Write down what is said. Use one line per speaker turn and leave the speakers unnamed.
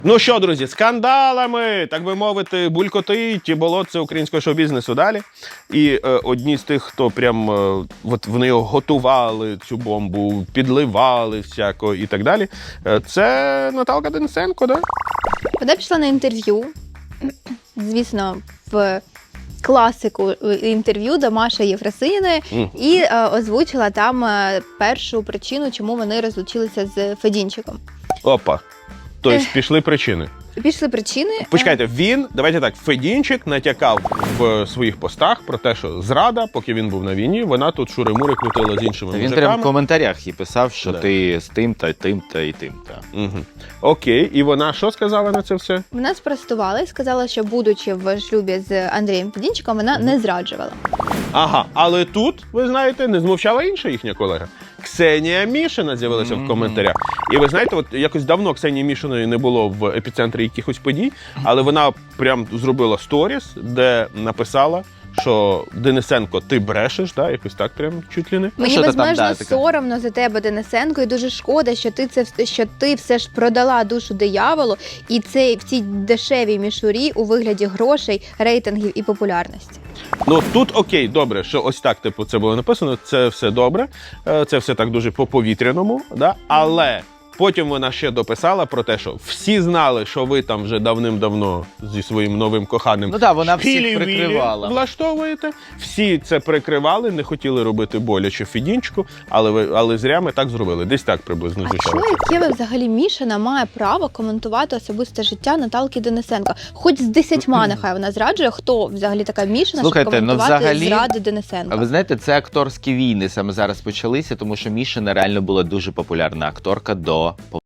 Ну що, друзі, скандалами, так би мовити, булькотить болотце українського шоу-бізнесу далі. І одні з тих, хто прям от вони його готували, цю бомбу, підливали всяко і так далі, це Наталка Денисенко, да?
Вона пішла на інтерв'ю, звісно, в класику інтерв'ю до Маші Єфросиніної і озвучила там першу причину, чому вони розлучилися з Федінчиком.
Опа. Тобто пішли причини.
Пішли причини.
Почекайте, давайте так, Федінчик натякав в своїх постах про те, що зрада, поки він був на війні, вона тут шури-мури крутила з іншими
Він
мужиками.
прямо в коментарях і писав, що
Да.
ти з тим-та, тим-та і тим-та.
Угу. Окей, і вона що сказала на це все?
Вона спростувала і сказала, що будучи в шлюбі з Андрієм Федінчиком, вона не зраджувала.
Ага, але тут, ви знаєте, не змовчала інша їхня колега. Ксенія Мішина з'явилася в коментарях. І ви знаєте, от якось давно Ксенії Мішиної не було в епіцентрі якихось подій, але вона прям зробила сторіс, де написала, що Денисенко, ти брешеш, да? Якось так прям чуть ли не.
Мені
що ти там,
безмежно
да, така?
соромно за тебе, Денисенко, і дуже шкода, що ти все ж продала душу дияволу, і це в цій дешевій мішурі у вигляді грошей, рейтингів і популярності.
Ну тут окей, добре, що ось так типу це було написано, це все добре, це все так дуже по-повітряному, да? Але потім вона ще дописала про те, що всі знали, що ви там вже давним-давно зі своїм новим коханим
Ну так, вона всіх
шпілі-вілі
прикривала.
влаштовуєте. Всі це прикривали, не хотіли робити боляче Федінчику, але зря ми так зробили. Десь так приблизно
А
звучало.
що, яке взагалі Мішина має право коментувати особисте життя Наталки Денисенко? Хоч з 10 нехай вона зраджує, хто взагалі така Мішина,
Слухайте,
щоб
ну,
коментувати
взагалі,
зради Денисенка?
А ви знаєте, це акторські війни саме зараз почалися, тому що Мішина реально була дуже популярна акторка до